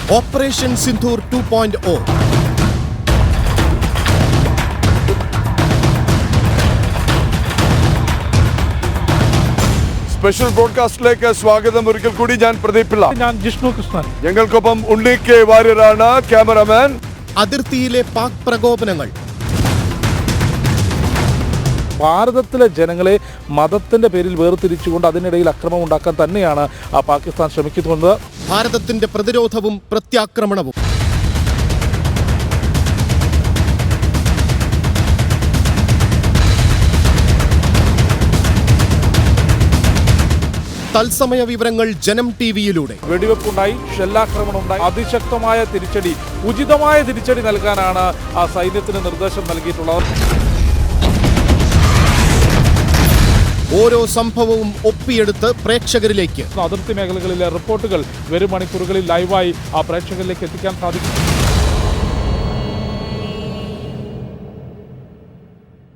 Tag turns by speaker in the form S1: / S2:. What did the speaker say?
S1: Operation Sindoor 2.0.
S2: Special ബ്രോഡ്കാസ്റ്റിലേക്ക് സ്വാഗതം. ഒരിക്കൽ കൂടി ഞാൻ പ്രദീപ് പിള്ള,
S3: ഞാൻ ജിഷ്ണു കൃഷ്ണൻ.
S2: ഞങ്ങൾക്കൊപ്പം ഉണ്ണി കെ വാര്യരാണ് ക്യാമറമാൻ.
S1: അതിർത്തിയിലെ പാക് പ്രകോപനങ്ങൾ.
S3: ഭാരതത്തിലെ ജനങ്ങളെ മതത്തിന്റെ പേരിൽ വേർതിരിച്ചുകൊണ്ട് അതിനിടയിൽ അക്രമം ഉണ്ടാക്കാൻ തന്നെയാണ് പാകിസ്ഥാൻ ശ്രമിക്കുന്നത്.
S1: ഭാരതത്തിന്റെ പ്രതിരോധവും പ്രത്യാക്രമണവും. തത്സമയ വിവരങ്ങൾ ജനം ടിവിയിലൂടെ.
S3: വെടിവെപ്പുണ്ടായി, ഷെല്ലാക്രമണം ഉണ്ടായി, അതിശക്തമായ തിരിച്ചടി, ഉചിതമായ തിരിച്ചടി നൽകാനാണ് ആ സൈന്യത്തിന് നിർദ്ദേശം നൽകിയിട്ടുള്ളത്.
S1: ഓരോ സംഭവവും ഒപ്പിയെടുത്ത് പ്രേക്ഷകരിലേക്ക്.
S3: അതിർത്തി മേഖലകളിലെ റിപ്പോർട്ടുകൾ വരും മണിക്കൂറുകളിൽ ലൈവായി ആ പ്രേക്ഷകരിലേക്ക് എത്തിക്കാൻ സാധിക്കും.